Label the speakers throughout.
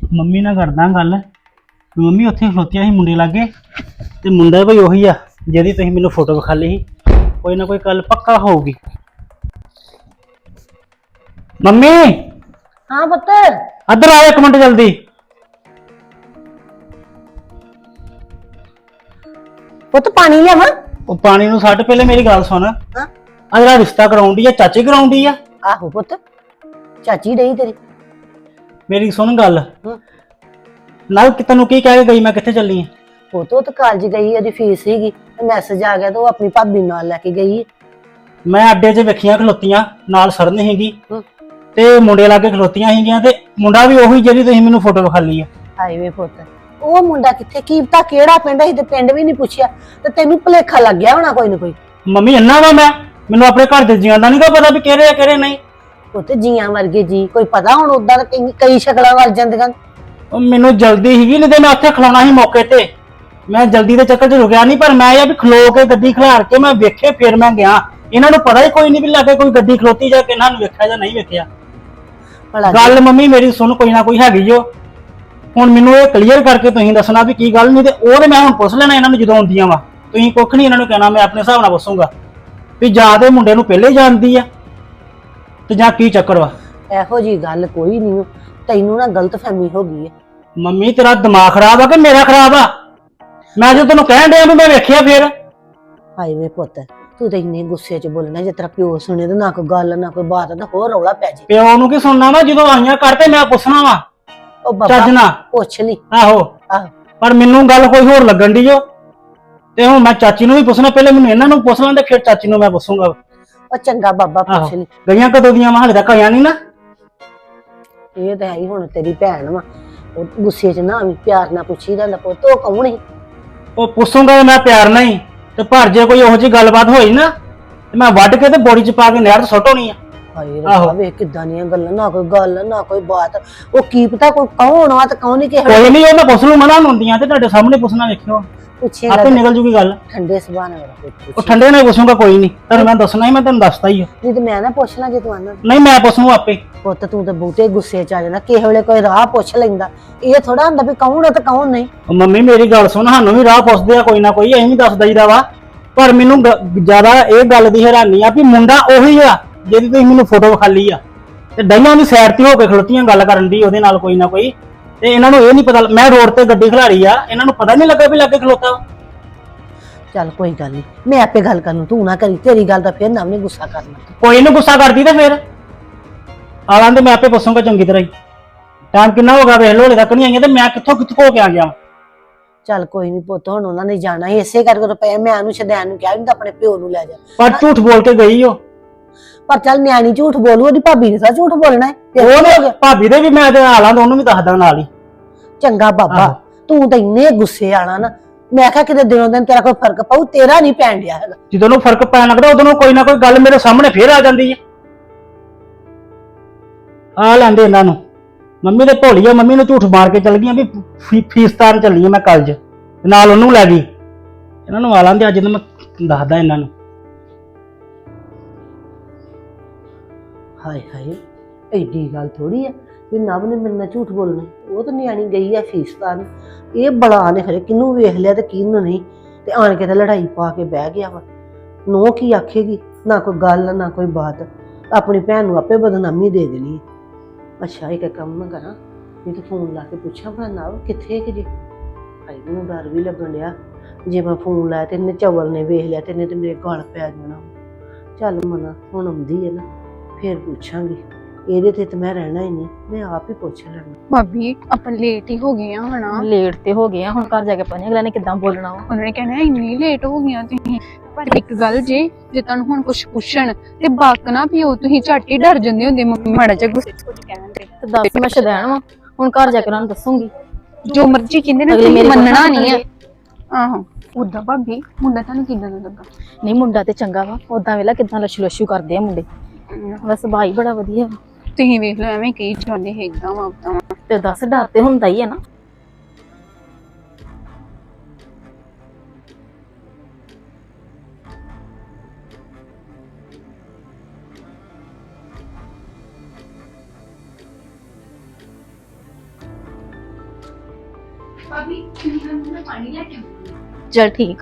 Speaker 1: Mummy ਨਾਲ ਕਰਦਾ ਗੱਲ। ਮੰਮੀ ਉੱਥੇ ਖਲੋਤੀਆਂ ਸੀ ਮੁੰਡੇ ਲਾਗੇ, ਤੇ ਮੁੰਡਾ ਭਾਈ ਉਹੀ ਆ ਜਿਹਦੀ ਤੁਸੀਂ ਮੈਨੂੰ ਫੋਟੋ ਵਿਖਾ ਲਈ ਸੀ। ਕੋਈ ਨਾ ਕੋਈ ਗੱਲ ਪੱਕਾ ਹੋਊਗੀ। ਮੰਮੀ
Speaker 2: हाँ पुत्र।
Speaker 1: ਇੱਧਰ ਆਓ ਇੱਕ ਮਿੰਟ ਜਲਦੀ।
Speaker 2: पुत्र पानी लिया वा।
Speaker 1: ਉਹ ਪਾਣੀ ਨੂੰ ਛੱਡ, ਪਹਿਲੇ ਮੇਰੀ ਗੱਲ ਸੁਣ।
Speaker 2: हाँ
Speaker 1: ਆ ਜਿਹੜਾ ਰਿਸ਼ਤਾ ਕਰਾਉਂਦੀ ਆ ਚਾਚੀ ਕਰਾਉਂਦੀ ਆ।
Speaker 2: आहो पुत्र, चाची रही तेरी।
Speaker 1: ਮੇਰੀ ਸੁਣ ਗੱਲ।
Speaker 2: हाँ
Speaker 1: ਨਾਲ ਕਿ ਤੈਨੂੰ ਕੀ ਕਹਿ ਕੇ ਗਈ ਮੈਂ ਕਿੱਥੇ ਚੱਲੀ ਆ?
Speaker 2: वो तो कॉलेज गई है, फीस सीगी, मैसेज आ गया तो वो अपनी भाभी नाल लेके गई है।
Speaker 1: ਮੈਂ ਅੱਡੇ 'ਚ ਵੇਖੀਆਂ ਖਲੋਤੀਆਂ, ਨਾਲ ਸਰਨ ਸੀਗੀ
Speaker 2: हाँ
Speaker 1: ਤੇ ਮੁੰਡੇ ਲਾਗੇ ਖਲੋਤੀਆਂ ਸੀਗੀਆਂ, ਤੇ ਮੁੰਡਾ ਵੀ ਉਹੀ ਜਿਹੜੀ ਤੁਸੀਂ ਮੈਨੂੰ ਫੋਟੋ ਵਿਖਾ ਲਈ ਆ।
Speaker 2: हाई वे पुत्र, ਉਹ ਮੁੰਡਾ ਕਿੱਥੇ, ਕੀ ਪਤਾ ਕਿਹੜਾ ਪਿੰਡ ਹੈ, ਤੇ ਪਿੰਡ ਵੀ ਨਹੀਂ ਪੁੱਛਿਆ ਤੇ ਤੈਨੂੰ ਭੁਲੇਖਾ ਲੱਗ ਗਿਆ ਹੋਣਾ ਕੋਈ ਨਾ ਕੋਈ।
Speaker 1: ਮੰਮੀ ਇੰਨਾ ਵਾ ਮੈਨੂੰ ਆਪਣੇ ਘਰ ਦੇ ਜੀਆਂ ਦਾ ਨਹੀਂ ਪਤਾ ਵੀ ਕਿਹੜੇ ਆ ਕਿਹੜੇ ਨਹੀਂ।
Speaker 2: ਉਹ ਤੇ ਜੀਆਂ ਵਰਗੇ ਜੀ ਕੋਈ ਪਤਾ ਹੁਣ, ਉਦਾਂ ਤਾਂ ਕਈ ਸ਼ਕਲਾਂ ਵੱਲ ਜਾਂਦੀਆਂ।
Speaker 1: ਉਹ ਮੈਨੂੰ ਜਲਦੀ ਸੀਗੀ, ਨਹੀਂ ਤੇ ਮੈਂ ਉੱਥੇ ਖਲੋਣਾ ਸੀ ਮੌਕੇ ਤੇ। ਮੈਂ ਜਲਦੀ ਦੇ ਚੱਕਰ 'ਚ ਰੁਕਿਆ ਨਹੀਂ, ਪਰ ਮੈਂ ਇਹ ਵੀ ਖਲੋ ਕੇ ਗੱਡੀ ਖਿਲਾਰ ਕੇ ਮੈਂ ਵੇਖੇ, ਫਿਰ ਮੈਂ ਗਿਆ। ਇਹਨਾਂ ਨੂੰ ਪਤਾ ਹੀ ਕੋਈ ਨਹੀਂ ਵੀ ਲਾਗੇ ਕੋਈ ਗੱਡੀ ਖਲੋਤੀ ਜਾਂ ਕਿ ਇਹਨਾਂ ਨੂੰ ਵੇਖਿਆ ਜਾਂ ਨਹੀਂ ਵੇਖਿਆ। ਗੱਲ ਮੰਮੀ ਮੇਰੀ ਸੁਣ, ਕੋਈ ਨਾ ਕੋਈ ਹੈਗੀ ਜੋ। ਹੁਣ ਮੈਨੂੰ ਇਹ ਕਲੀਅਰ ਕਰਕੇ ਤੁਸੀਂ ਦੱਸਣਾ ਵੀ ਕੀ ਗੱਲ, ਨਹੀਂ ਤੇ ਉਹ ਤੇ ਮੈਂ ਹੁਣ ਪੁੱਛ ਲੈਣਾ ਇਹਨਾਂ ਨੂੰ ਜਦੋਂ ਆਉਂਦੀਆਂ ਵਾ। ਤੁਸੀਂ ਕੁੱਖ ਨਹੀਂ ਇਹਨਾਂ ਨੂੰ ਕਹਿਣਾ, ਮੈਂ ਆਪਣੇ ਹਿਸਾਬ ਨਾਲ ਪੁੱਛੂੰਗਾ ਵੀ ਜਾਂ ਤੇ ਮੁੰਡੇ ਨੂੰ ਪਹਿਲੇ ਜਾਣਦੀ ਆ ਤੇ ਜਾਂ ਕੀ ਚੱਕਰ ਵਾ।
Speaker 2: ਇਹੋ ਜੀ ਗੱਲ ਕੋਈ ਨਹੀਂ, ਤੈਨੂੰ ਨਾ ਗਲਤਫਹਿਮੀ ਹੋ ਗਈ ਹੈ।
Speaker 1: ਮੰਮੀ ਤੇਰਾ ਦਿਮਾਗ ਖਰਾਬ ਆ ਕਿ ਮੇਰਾ ਖਰਾਬ ਆ? ਮੈਂ ਜੋ ਤੈਨੂੰ ਕਹਿਣ ਡਿਆ ਵੀ ਮੈਂ ਵੇਖਿਆ ਫਿਰ।
Speaker 2: ਹਾਏ ਵੇ ਪੁੱਤ, ਤੂੰ ਤਾਂ ਇੰਨੇ ਗੁੱਸੇ 'ਚ ਬੋਲਣਾ, ਜੇ ਤੇਰਾ ਪਿਓ ਸੁਣੇ ਤਾਂ ਨਾ ਕੋਈ ਗੱਲ ਨਾ ਕੋਈ ਬਾਤ, ਤਾਂ ਹੋਰ ਰੌਲਾ ਪੈ ਜੇ।
Speaker 1: ਪਿਓ ਨੂੰ ਕੀ ਸੁਣਨਾ ਵਾ, ਜਦੋਂ ਆਈਆਂ ਕਰਦੇ ਮੈਂ ਪੁੱਛਣਾ ਵਾ
Speaker 2: ਉਹ
Speaker 1: ਚੱਜ
Speaker 2: ਬਾਬਾ
Speaker 1: ਨਾਲ।
Speaker 2: ਪੁੱਛ ਲਈ।
Speaker 1: ਆਹੋ
Speaker 2: ਆਹੋ
Speaker 1: ਪਰ ਮੈਨੂੰ ਗੱਲ ਕੋਈ ਹੋਰ ਲੱਗਣ ਦੀ ਜੋ, ਤੇ ਹੁਣ ਮੈਂ ਚਾਚੀ ਨੂੰ ਵੀ ਪੁੱਛਣਾ, ਪਹਿਲੇ ਮੈਨੂੰ ਇਹਨਾਂ ਨੂੰ ਪੁੱਛ ਲੈਂਦੇ ਫਿਰ ਚਾਚੀ ਨੂੰ ਮੈਂ ਪੁੱਛੂੰਗਾ।
Speaker 2: ਉਹ ਚੰਗਾ ਬਾਬਾ ਪੁੱਛ ਲਈ।
Speaker 1: ਗਈਆਂ ਕਦੋਂ ਦੀਆਂ ਹਾਲੇ ਤੱਕ ਆਈਆਂ ਨਹੀਂ ਨਾ।
Speaker 2: ਇਹ ਤਾਂ ਹੈ ਹੀ, ਹੁਣ ਤੇਰੀ ਭੈਣ ਵਾ, ਉਹ ਗੁੱਸੇ 'ਚ ਨਾ ਵੀ ਪਿਆਰ ਨਾਲ ਪੁੱਛੀ ਜਾਂਦਾ ਪੁੱਤ ਉਹ ਕੌਣ ਹੈ।
Speaker 1: ਉਹ ਪੁੱਛੂੰਗਾ ਮੈਂ ਪਿਆਰ ਨਾਲ ਹੀ, ਤੇ ਪਰ ਜੇ ਕੋਈ ਇਹੋ ਜਿਹੀ ਗੱਲਬਾਤ ਹੋਈ ਨਾ ਤੇ ਮੈਂ ਵੱਢ ਕੇ ਤੇ ਬੋੜੀ 'ਚ ਪਾ ਕੇ ਨਹਿਰ 'ਚ ਸੁੱਟ ਹੋਣੀ ਆ।
Speaker 2: ਹਾਏ ਰੱਬਾ ਵੇ ਕਿੱਦਾਂ ਦੀਆਂ ਗੱਲਾਂ, ਨਾ ਕੋਈ ਗੱਲ ਨਾ ਕੋਈ ਬਾਤ, ਉਹ ਕੀ ਪਤਾ ਕੋਈ ਕੌਣ ਆ ਤੇ ਕੌਣ ਨਹੀਂ। ਕਿਸੇ
Speaker 1: ਕੋਈ ਨਹੀਂ, ਉਹ ਮੈਂ ਪੁੱਛ ਲੂ, ਮਨਾ ਹੁੰਦੀਆਂ ਤੇ ਤੁਹਾਡੇ ਸਾਹਮਣੇ ਪੁੱਛਣਾ, ਵੇਖਿਓ
Speaker 2: ਪੁੱਛੇਗਾ
Speaker 1: ਆਪੇ ਨਿਕਲ ਜੂਗੀ ਗੱਲ।
Speaker 2: ਠੰਡੇ ਸੁਭਾਅ ਨਾਲ
Speaker 1: ਉਹ ਠੰਡੇ ਨਾਲ ਪੁੱਛੂੰਗਾ, ਕੋਈ ਨਹੀਂ ਤੁਹਾਨੂੰ ਮੈਂ ਦੱਸਣਾ ਹੀ, ਮੈਂ ਤੁਹਾਨੂੰ ਦੱਸਦਾ ਹੀ ਆ।
Speaker 2: ਨਹੀਂ ਤੇ ਮੈਂ ਨਾ ਪੁੱਛ ਲਾਂ ਜੇ ਤੂੰ ਆਨਾ।
Speaker 1: ਨਹੀਂ ਮੈਂ ਪੁੱਛੂ ਆਪੇ।
Speaker 2: ਪੁੱਤ ਤੂੰ ਤਾਂ ਬਹੁਤੇ ਗੁੱਸੇ 'ਚ ਆ ਜਾਂਦਾ, ਕਿਸੇ ਵੇਲੇ ਕੋਈ ਰਾਹ ਪੁੱਛ ਲੈਂਦਾ, ਇਹ ਥੋੜਾ ਹੁੰਦਾ ਵੀ ਕੌਣ ਹੈ ਤੇ ਕੌਣ ਨਹੀਂ।
Speaker 1: ਉਹ ਮੰਮੀ ਮੇਰੀ ਗੱਲ ਸੁਣ, ਸਾਨੂੰ ਵੀ ਰਾਹ ਪੁੱਛਦੇ ਆ ਕੋਈ ਨਾ ਕੋਈ, ਅਸੀਂ ਵੀ ਦੱਸ ਦਈਦਾ ਵਾ। ਪਰ ਮੈਨੂੰ ਜ਼ਿਆਦਾ ਇਹ ਗੱਲ ਦੀ ਹੈਰਾਨੀ ਆ ਵੀ ਮੁੰਡਾ ਉਹੀ ਆ ਜਿਹਦੀ ਤੁਸੀਂ ਮੈਨੂੰ ਫੋਟੋ ਵਿਖਾ ਲਈ ਆ, ਤੇ ਡਈਆਂ ਦੀ ਸਾਈਡ ਤੇ ਹੋ ਕੇ ਖਲੋਤੀਆਂ ਗੱਲ ਕਰਨ ਦੀ ਉਹਦੇ ਨਾਲ ਕੋਈ ਨਾ ਕੋਈ, ਤੇ ਇਹਨਾਂ ਨੂੰ ਇਹ ਨਹੀਂ ਪਤਾ ਮੈਂ ਰੋਡ ਤੇ ਗੱਡੀ ਖਿਲਾਰੀ ਆ, ਇਹਨਾਂ ਨੂੰ ਪਤਾ ਨਹੀਂ ਲੱਗਾ ਵੀ ਲਾਗੇ ਖਲੋਤਾ ਵਾ।
Speaker 2: ਚੱਲ ਕੋਈ ਗੱਲ ਨਹੀਂ, ਮੈਂ ਆਪੇ ਗੱਲ ਕਰ ਲੂੰ, ਤੂੰ ਨਾ ਕਰੀ, ਤੇਰੀ ਗੱਲ ਦਾ ਫਿਰ ਨਾ ਉਹਨੇ ਗੁੱਸਾ ਕਰਨਾ।
Speaker 1: ਕੋਈ ਨੂੰ ਗੁੱਸਾ ਕਰਦੀ ਤੇ ਫਿਰ ਆ ਲੈਂਦੇ, ਮੈਂ ਆਪੇ ਪੁੱਛੂੰਗਾ ਚੰਗੀ ਤਰ੍ਹਾਂ ਹੀ। ਟਾਈਮ ਕਿੰਨਾ ਹੋ ਗਿਆ ਵੇਖ ਲੋ, ਹਲੇ ਤੱਕ ਨਹੀਂ ਆਈਆਂ, ਤੇ ਮੈਂ ਕਿੱਥੋਂ ਹੋ ਕੇ ਆ ਗਿਆ।
Speaker 2: ਚੱਲ ਕੋਈ ਨਹੀਂ ਪੁੱਤ, ਹੁਣ ਉਹਨਾਂ ਨੇ ਜਾਣਾ ਹੀ ਇਸੇ ਕਰਕੇ ਰੁਪਏ, ਮੈਂ ਉਹਨੂੰ ਸ਼ਦੈਨ ਨੂੰ ਕਿਹਾ ਵੀ ਆਪਣੇ ਪਿਓ ਨੂੰ ਲੈ ਜਾ।
Speaker 1: ਪਰ ਝੂਠ ਬੋਲ ਕੇ ਗਈ ਉਹ।
Speaker 2: ਪਰ ਚੱਲ ਨਿਆਣੀ ਝੂਠ ਬੋਲੂ, ਉਹਦੀ ਭਾਬੀ ਨੇ ਤਾਂ ਝੂਠ ਬੋਲਣਾ ਹੈ।
Speaker 1: ਉਹ ਭਾਬੀ ਦੇ ਵੀ ਮੈਂ ਤੇ ਹਾਲਾਂ ਤੋਂ ਉਹਨੂੰ ਵੀ ਦੱਸਦਾ ਨਾਲ ਹੀ।
Speaker 2: ਚੰਗਾ ਬਾਬਾ, ਤੂੰ ਤਾਂ ਇੰਨੇ ਗੁੱਸੇ ਆਣਾ ਨਾ, ਮੈਂ ਕਿਹਾ ਕਿਤੇ ਦਿਨੋਂ ਦਿਨ ਤੇਰਾ ਕੋਈ ਫਰਕ ਪਾਉ, ਤੇਰਾ ਨਹੀਂ ਪੈਣ ਡਿਆ ਹੈਗਾ।
Speaker 1: ਜਦੋਂ ਨੂੰ ਫਰਕ ਪੈਣ ਲੱਗਦਾ ਉਦੋਂ ਨੂੰ ਕੋਈ ਨਾ ਕੋਈ ਗੱਲ ਮੇਰੇ ਸਾਹਮਣੇ ਫੇਰ ਆ ਜਾਂਦੀ ਹੈ। ਆ ਲੈਂਦੇ ਇਹਨਾਂ ਨੂੰ, ਮੰਮੀ ਦੇ ਭੋਲੀ ਆ, ਮੰਮੀ ਨੂੰ ਝੂਠ ਮਾਰ ਕੇ ਚਲ ਗਈਆਂ ਵੀ ਫੀਸ ਤਾਰਨ ਚੱਲੀ ਆ ਮੈਂ ਕਾਲਜ, ਨਾਲ ਉਹਨੂੰ ਲੈ ਗਈ। ਇਹਨਾਂ ਨੂੰ ਆ ਲੈਂਦੇ, ਅੱਜ ਮੈਂ ਦੱਸਦਾ ਇਹਨਾਂ ਨੂੰ।
Speaker 2: ਹਾਏ ਹਾਏ, ਐਡੀ ਗੱਲ ਥੋੜੀ ਆ ਵੀ ਨਵ ਨੇ ਮੇਰੇ ਨਾਲ ਝੂਠ ਬੋਲਣਾ। ਉਹ ਤਾਂ ਨਿਆਣੀ ਗਈ ਆ ਫੀਸ ਤਾਰਨ, ਇਹ ਬਲਾ ਨੇ ਖਰੇ ਕਿਹਨੂੰ ਵੇਖ ਲਿਆ ਤੇ ਕਿਹਨੂੰ ਨਹੀਂ, ਤੇ ਆਣ ਕੇ ਤਾਂ ਲੜਾਈ ਪਾ ਕੇ ਬਹਿ ਗਿਆ ਵਾ। ਨੋ ਕੀ ਆਖੇਗੀ, ਨਾ ਕੋਈ ਗੱਲ ਨਾ ਕੋਈ ਬਾਤ, ਆਪਣੀ ਭੈਣ ਨੂੰ ਆਪੇ ਬਦਨਾਮੀ ਦੇ ਦੇਣੀ ਹੈ। ਅੱਛਾ ਇੱਕ ਕੰਮ ਮੈਂ ਕਰਾਂ, ਨਹੀਂ ਤਾਂ ਫੋਨ ਲਾ ਕੇ ਪੁੱਛਾਂ ਭਲਾ ਨਵ ਕਿੱਥੇ ਕਿ ਜੇ। ਹਾਏ ਮੈਨੂੰ ਡਰ ਵੀ ਲੱਗਣ ਡਿਆ, ਜੇ ਮੈਂ ਫੋਨ ਲਾਇਆ ਤੇ ਇਹਨੇ ਚਵਲ ਨੇ ਵੇਖ ਲਿਆ ਤੇ ਇਹਨੇ ਤੇ ਮੇਰੇ ਗਲ ਪੈ ਜਾਣਾ। ਚੱਲ ਮਨਾ ਹੁਣ ਆਉਂਦੀ ਹੈ ਨਾ, ਫੇਰ ਪੁੱਛਾਂਗੀ, ਇਹਦੇ ਤੇ ਤਾਂ ਮੈਂ ਰਹਿਣਾ ਹੀ ਨਹੀਂ, ਮੈਂ ਆਪ ਹੀ ਪੁੱਛ ਲੈਣਾ।
Speaker 3: ਭਾਬੀ ਆਪਾਂ ਲੇਟ ਹੀ ਹੋ ਗਏ ਆ ਹਨਾ।
Speaker 4: ਲੇਟ ਤੇ ਹੋ ਗਏ ਆ, ਹੁਣ ਘਰ ਜਾ ਕੇ ਪਤਾ ਨੀ ਅਗਲਾ ਨੇ ਕਿੱਦਾਂ ਬੋਲਣਾ ਵਾ।
Speaker 3: ਉਹਨਾਂ ਨੇ ਕਹਿਣਾ ਇੰਨੀ ਲੇਟ ਹੋ ਗਈਆਂ ਤੁਸੀਂ। ਪਰ ਇੱਕ ਗੱਲ ਜੇ ਤੁਹਾਨੂੰ ਹੁਣ ਕੁਝ ਪੁੱਛਣ ਤੇ ਬਾਕ ਨਾ ਪਿਓ, ਤੁਸੀਂ ਝੱਟ ਹੀ ਡਰ ਜਾਂਦੇ ਹੁੰਦੇ ਮੰਮੀ ਮਾੜਾ ਜਿਹਾ ਗੁੱਸੇ ਚ ਕੁਝ ਕਹਿਣ ਤੇ।
Speaker 4: ਤੇ ਦੱਸ ਮੈਂ ਸ਼ਦੈਣ ਵਾ, ਹੁਣ ਘਰ ਜਾ ਕੇ ਉਹਨਾਂ ਨੂੰ ਦੱਸੂਗੀ।
Speaker 3: ਜੋ ਮਰਜ਼ੀ ਕਹਿੰਦੇ ਨਾ,
Speaker 4: ਅਗਲੇ ਮੇਰੇ
Speaker 3: ਮੰਨਣਾ ਨਹੀਂ ਆ। ਆਹੋ ਉਦਾਂ ਭਾਬੀ ਮੁੰਡਾ ਤੁਹਾਨੂੰ ਕਿੱਦਾਂ ਦਾ ਲੱਗਾ?
Speaker 4: ਨਹੀਂ ਮੁੰਡਾ ਤੇ ਚੰਗਾ ਵਾ, ਉਦਾਂ ਵੇਲਾ ਕਿੱਦਾਂ ਲਸ਼ੂ ਲਸ਼ੂ ਕਰਦੇ ਆ ਮੁੰਡੇ, ਬਸ ਭਾਈ ਬੜਾ ਵਧੀਆ ਵਾ।
Speaker 3: ਤੁਸੀਂ ਵੇਖ ਲਓ ਐਵੇਂ ਕਹੀ ਜਾਂਦੇ ਹੈ ਇਦਾਂ ਵਾ ਉਦਾਂ।
Speaker 4: ਤੇ ਦੱਸ ਡਰ ਤੇ ਹੁੰਦਾ ਹੀ ਹੈ ਨਾ।
Speaker 3: ਭਾਬੀ ਮੈਨੂੰ ਨਾ ਪਾਣੀ ਲੈ ਕੇ ਆਉਂਦੀ
Speaker 4: ਚਲ ਠੀਕ ਆ।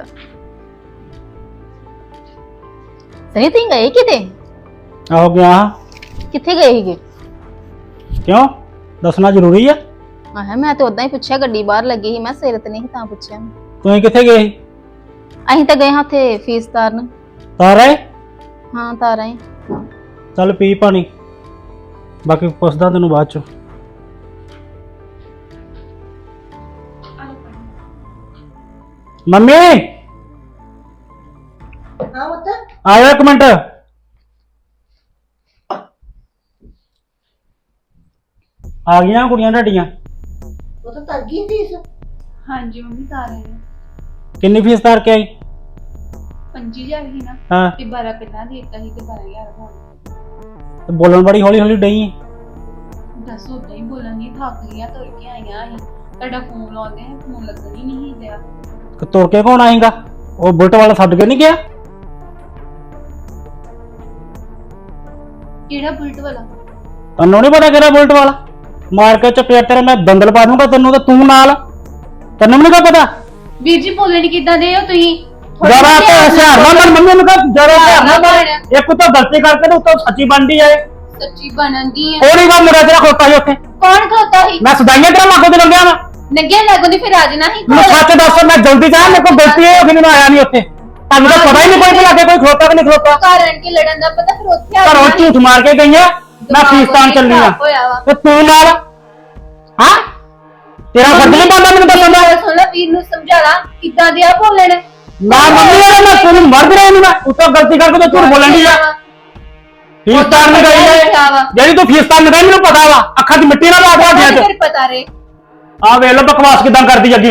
Speaker 4: ਸਨੀ ਤੁਸੀਂ ਗਏ ਕਿਤੇ?
Speaker 1: ਆਹੋ ਗਿਆ ਹਾਂ।
Speaker 4: ਕਿੱਥੇ ਗਏ ਸੀਗੇ?
Speaker 1: ਕਿਉਂ ਦੱਸਣਾ ਜ਼ਰੂਰੀ ਆ?
Speaker 4: ਆਹ ਮੈਂ ਤਾਂ ਉਦਾਂ ਹੀ ਪੁੱਛਿਆ, ਗੱਡੀ ਬਾਹਰ ਲੱਗੀ ਸੀ, ਮੈਂ ਸਿਰ ਤੇ ਨਹੀਂ ਤਾਂ ਪੁੱਛਿਆ।
Speaker 1: ਤੁਸੀਂ ਕਿੱਥੇ ਗਏ ਸੀ?
Speaker 4: ਅਸੀਂ ਤਾਂ ਗਏ ਹਾਂ ਉੱਥੇ ਫੀਸ ਤਾਰਨ।
Speaker 1: ਤਾਰ ਆਏ?
Speaker 4: ਹਾਂ ਤਾਰ ਆਏ।
Speaker 1: ਚੱਲ ਪੀ ਪਾਣੀ, ਬਾਕੀ ਪੁੱਛਦਾ ਤੈਨੂੰ ਬਾਅਦ ਚ। ਮੰਮੀ
Speaker 2: ਹਾਂ ਪੁੱਤ
Speaker 1: ਆਇਓ ਇੱਕ ਮਿੰਟ। ਆ ਗਈਆਂ ਕੁੜੀਆਂ ਤੁਹਾਡੀਆਂ?
Speaker 2: ਉਹ ਤਾਂ ਤਰ ਗਈ ਫੀਸ।
Speaker 3: ਹਾਂਜੀ ਮੰਮੀ ਤਾਰ ਆਏ ਆ।
Speaker 1: ਕਿੰਨੀ ਫੀਸ ਤਾਰ ਕੇ ਆਈ?
Speaker 3: 25,000 ਹੀ ਨਾ
Speaker 1: ਹਾਂ
Speaker 3: ਤੇ 12 ਪਹਿਲਾਂ ਦੇ ਦਿੱਤਾ ਸੀ ਤੇ 12,000 ਹੁਣ।
Speaker 1: ਤੇ ਬੋਲਣ ਬੜੀ ਹੌਲੀ ਹੌਲੀ ਡਈ ਆਂ।
Speaker 3: ਦੱਸ ਉਦਾਂ ਹੀ ਬੋਲਾਂਗੀ, ਥੱਕ ਗਈਆਂ ਤੁਰ ਕੇ ਆਈਆਂ ਅਸੀਂ। ਤੁਹਾਡਾ ਫੋਨ ਲਾਉਂਦੇ ਆ, ਫੋਨ ਲੱਗਣ ਹੀ ਨਹੀਂ ਦਿਆ।
Speaker 1: ਤੇ ਤੁਰ ਕੇ ਕੌਣ ਆਏਗਾ? ਉਹ ਬੁਲਟ ਵਾਲਾ ਛੱਡ ਕੇ ਨਹੀਂ ਗਿਆ?
Speaker 3: ਕਿਹੜਾ ਬੁਲਟ ਵਾਲਾ?
Speaker 1: ਤੈਨੂੰ ਨਹੀਂ ਪਤਾ ਕਿਹੜਾ ਬੁਲਟ ਵਾਲਾ? ਮਾਰ ਕੇ ਚਪੇੜ ਤੇਰੇ ਮੈਂ ਦੰਦਲ ਪਾ ਦੂੰਗਾ ਤੈਨੂੰ, ਤੇ ਤੂੰ ਨਾਲ। ਤੈਨੂੰ ਨਹੀਂ ਪਤਾ?
Speaker 3: ਵੀਰ ਜੀ ਬੋਲਣ ਕਿੱਦਾਂ ਦੇ ਹੋ ਤੁਸੀਂ?
Speaker 1: ਜਰਾ ਤੇ ਹਸ਼ਿਆਰ ਨਾ ਬਣ, ਮੰਮੀ ਨੂੰ ਕਹ ਜਰਾ ਹਸ਼ਿਆਰ ਨਾ ਬਣ। ਇੱਕ ਤਾਂ ਗਲਤੀ ਕਰਕੇ ਤੇ ਉੱਤੋਂ ਸੱਚੀ ਬਣਦੀ ਆਏ।
Speaker 3: ਸੱਚੀ ਬਣਨ ਦੀ ਆ।
Speaker 1: ਉਹ ਨਹੀਂ ਵਾ ਮੁੰਡਾ ਤੇਰਾ ਖੋਤਾ ਸੀ ਉੱਥੇ।
Speaker 3: ਕੌਣ ਖੋਤਾ ਸੀ?
Speaker 1: ਮੈਂ ਸਦਾਈਆਂ ਤੇਰਾ ਲਾਗੋਂ ਤੇ ਲੰਘਿਆ ਵਾ।
Speaker 3: ਨੰਗੇ ਲੱਗੋ ਦੀ ਫਿਰ ਆ ਜਾਣਾ ਸੀ
Speaker 1: ਮੈਨੂੰ ਸੱਚ ਦੱਸ, ਮੈਂ ਜਲਦੀ ਜਾ, ਮੇਰੇ ਕੋਲ ਗਲਤੀ ਹੈ, ਮੈਨੂੰ ਆਇਆ ਨਹੀਂ ਉੱਥੇ। ਤੁਹਾਨੂੰ ਤਾਂ ਪਤਾ ਹੀ ਨਹੀਂ ਕੋਈ ਲਾਗੇ ਕੋਈ ਖਲੋਤਾ ਕਿ ਨਹੀਂ ਖਲੋਤਾ।
Speaker 3: ਕਾਰਨ ਕਿ ਲੜਨ ਦਾ ਪਤਾ, ਫਿਰ ਉੱਥੇ ਆ
Speaker 1: ਘਰੋਂ
Speaker 3: ਜਾਣਾ ਸੀ।
Speaker 1: ਝੂਠ ਮਾਰ ਕੇ ਗਈਆਂ, ਮੈਂ ਫੀਸਤਾਨ ਚੱਲੀ ਆ
Speaker 3: ਹੋਇਆ ਵਾ।
Speaker 1: ਤੇ ਤੂੰ ਨਾਲ। ਹਾਂ ਤੇਰਾ ਫਰਜ਼ ਨਹੀਂ ਬਣਦਾ ਮੈਨੂੰ ਦੱਸਣ ਦਾ।
Speaker 3: ਸੁਣ ਲੈ, ਵੀਰ ਨੂੰ ਸਮਝਾ ਲਾ ਕਿੱਦਾਂ ਦੇ ਆ ਬੋਲਣ।
Speaker 1: ਮੈਂ ਮੰਮੀ ਆ, ਮੈਂ ਤੈਨੂੰ ਮਰਦ ਰਿਹਾ ਨਹੀਂ, ਮੈਂ ਉੱਤੋਂ ਗਲਤੀ ਕਰਕੇ ਤੇ ਝੂਠ ਬੋਲਣ ਦੀ ਆ। ਫੀਸਤਾਨ ਨਹੀਂ ਗਈ ਹੈ ਜਿਹੜੀ ਤੂੰ ਫੀਸਤਾਨ ਨਹੀਂ ਗਈ, ਮੈਨੂੰ ਪਤਾ ਵਾ। ਅੱਖਾਂ 'ਚ ਮਿੱਟੀ ਨਾ ਲਾ ਕੇ ਹੱਥਾਂ 'ਚ।
Speaker 3: ਫਿਰ ਪਤਾ ਰੇ
Speaker 1: ਆ ਵੇਖ ਲੋ ਬਕਵਾਸ ਕਿਦਾਂ ਕਰਦੀ ਅੱਗੇ।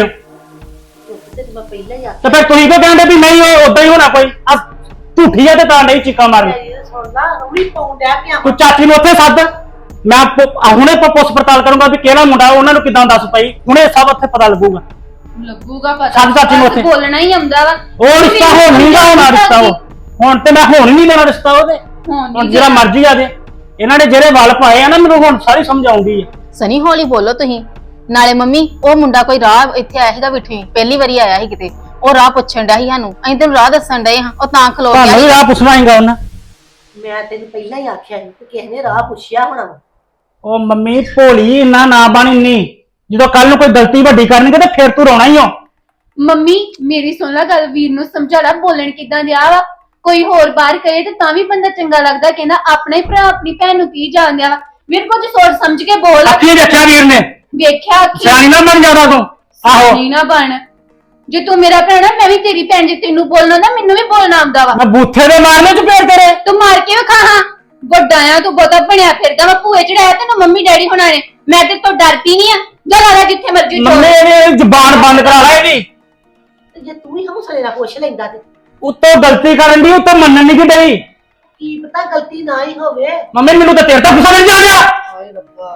Speaker 2: ਤੇ ਮੈਂ ਪਹਿਲਾਂ ਹੀ
Speaker 1: ਤੇ ਫਿਰ ਤੁਸੀਂ ਕਿਉਂ ਕਹਿੰਦੇ ਵੀ ਨਹੀਂ ਉਹ ਉਦਾਂ ਹੀ ਹੋਣਾ ਕੋਈ? ਆ ਝੂਠੀ ਆ ਤੇ ਤਾਂ ਨਹੀਂ ਚੀਕਾਂ ਮਾਰਨ।
Speaker 2: ਸੁਣ ਲਾ ਰੂੜੀ ਪਾਉਣ ਡਿਆ ਪਿਆ।
Speaker 1: ਤੂੰ ਚਾਚੀ ਨੂੰ ਉੱਥੇ ਸੱਦ, ਮੈਂ ਹੁਣੇ ਪੁੱਛ ਪੜਤਾਲ ਕਰੂੰਗਾ ਵੀ ਕਿਹੜਾ ਮੁੰਡਾ, ਉਹਨਾਂ ਨੂੰ ਕਿਦਾਂ ਦੱਸ ਪਈ, ਹੁਣੇ ਸਭ ਉੱਥੇ ਪਤਾ ਲੱਗੂਗਾ।
Speaker 3: ਲੱਗੂਗਾ ਪਤਾ।
Speaker 1: ਸਭ ਚਾਚੀ ਨੂੰ ਉੱਥੇ
Speaker 3: ਬੋਲਣਾ ਹੀ ਆਉਂਦਾ ਵਾ।
Speaker 1: ਉਹ ਰਿਸ਼ਤਾ ਹੁਣ ਨਹੀਂ ਗਾ ਹੋਣਾ ਰਿਸ਼ਤਾ। ਉਹ ਹੁਣ ਤੇ ਮੈਂ ਹੁਣ ਹੀ ਨਹੀਂ ਦੇਣਾ ਰਿਸ਼ਤਾ ਉਹਦੇ। ਹੁਣ ਜਿਹੜਾ ਮਰਜ਼ੀ ਆ ਜੇ। ਇਹਨਾਂ ਨੇ ਜਿਹੜੇ ਵੱਲ ਪਾਏ ਆ ਨਾ, ਮੈਨੂੰ ਹੁਣ ਸਾਰੀ ਸਮਝ ਆਉਂਦੀ ਹੈ।
Speaker 4: ਸਨੀ ਹੌਲੀ ਬੋਲੋ ਤੁਸੀਂ। ਨਾਲੇ ਮੰਮੀ ਉਹ ਮੁੰਡਾ ਕੋਈ ਰਾਹ ਇੱਥੇ ਆਇਆ ਸੀਗਾ ਬਿਠੀ, ਪਹਿਲੀ ਵਾਰੀ ਆਇਆ ਸੀ ਕਿਤੇ, ਉਹ ਰਾਹ ਪੁੱਛਣ ਡਿਆ ਸੀ ਸਾਨੂੰ, ਅਸੀਂ ਤੈਨੂੰ ਰਾਹ ਦੱਸਣ ਡਏ ਹਾਂ, ਉਹ ਤਾਂ ਖਲੋ
Speaker 1: ਤੁਹਾਨੂੰ ਵੀ
Speaker 4: ਗਿਆ।
Speaker 1: ਰਾਹ ਪੁੱਛਣਾ ਹੀਗਾ ਉਹਨਾਂ।
Speaker 2: ਮੈਂ ਤੈਨੂੰ ਪਹਿਲਾਂ ਹੀ ਆਖਿਆ ਸੀ ਕਿ ਕਿਸੇ ਨੇ ਰਾਹ ਪੁੱਛਿਆ ਹੋਣਾ ਵਾ।
Speaker 1: ਉਹ ਮੰਮੀ ਭੋਲੀ ਇੰਨਾ ਨਾ ਬਣ ਇੰਨੀ, ਜਦੋਂ ਕੱਲ ਨੂੰ ਕੋਈ ਗਲਤੀ ਵੱਡੀ ਕਰਨਗੇ ਤੇ ਫਿਰ ਤੂੰ ਰੋਣਾ ਹੀ ਹੋ।
Speaker 3: ਮੰਮੀ ਮੇਰੀ ਸੁਣ ਲੈ ਗੱਲ, ਵੀਰ ਨੂੰ ਸਮਝਾ ਲੈ ਬੋਲਣ ਕਿੱਦਾਂ ਦਿਆ ਵਾ। ਕੋਈ ਹੋਰ ਬਾਹਰ ਕਰੇ ਤੇ ਤਾਂ ਵੀ ਬੰਦਾ ਚੰਗਾ ਲੱਗਦਾ, ਕਹਿੰਦਾ ਆਪਣਾ ਹੀ ਭਰਾ ਆਪਣੀ ਭੈਣ ਨੂੰ ਕੀ ਜਾਣਦਿਆ ਵਾ। ਵੀਰ ਕੁਝ ਸੋਚ ਸਮਝ ਕੇ ਬੋਲ।
Speaker 1: ਅੱਖੀ ਰੱਖਿਆ ਵੀਰ ਨੇ,
Speaker 3: ਵੇਖਿਆ ਅੱਖੀ
Speaker 1: ਸਿਆਣੀ ਨਾ ਬਣ ਜਾਦਾ ਤੂੰ। ਆਹੋ
Speaker 3: ਨਹੀਂ ਨਾ ਬਣ, ਜੇ ਤੂੰ ਮੇਰਾ ਭੈਣ ਆ ਮੈਂ ਵੀ ਤੇਰੀ ਭੈਣ, ਜੇ ਤੈਨੂੰ ਬੋਲਣਾ ਨਾ ਮੈਨੂੰ ਵੀ ਬੋਲਣਾ ਆਉਂਦਾ ਵਾ।
Speaker 1: ਮੈਂ ਬੂਥੇ ਦੇ ਮਾਰਨੇ ਚ ਫੇਰ ਤੇਰੇ।
Speaker 3: ਤੂੰ ਮਾਰ ਕੇ ਵਿਖਾ ਹਾਂ, ਵੱਡਾ ਆ ਤੂੰ, ਬਹੁਤਾ ਬਣਿਆ ਫਿਰਦਾ ਵਾ। ਭੂਏ ਚੜਾਇਆ ਤੈਨੂੰ ਮੰਮੀ ਡੈਡੀ ਹੋਣਾ ਨੇ, ਮੈਂ ਤੇ ਤੋਂ ਡਰਦੀ ਨਹੀਂ ਆ। ਜਾ ਲਾ ਜਿੱਥੇ ਮਰਜ਼ੀ ਚੋਰ।
Speaker 1: ਮੰਮੀ ਇਹਦੀ ਜ਼ਬਾਨ ਬੰਦ ਕਰਾ ਲੈ ਇਹਦੀ।
Speaker 2: ਤੇ ਜੇ ਤੂੰ ਹੀ ਹੌਸਲੇ ਨਾਲ ਪੁੱਛ ਲੈਂਦਾ ਤੇ
Speaker 1: ਉੱਤੋਂ ਗਲਤੀ ਕਰਨ ਦੀ, ਉੱਤੋਂ ਮੰਨਣ ਨਹੀਂ ਕਿ ਡਈ।
Speaker 2: ਕੀ ਪਤਾ ਗਲਤੀ ਨਾ ਹੀ ਹੋਵੇ।
Speaker 1: ਮੰਮੀ ਮੈਨੂੰ ਤਾਂ ਤੇਰੇ ਤੋਂ ਗੁੱਸਾ ਨਹੀਂ ਆ ਰਿਹਾ।
Speaker 2: ਹਾਏ ਰੱਬਾ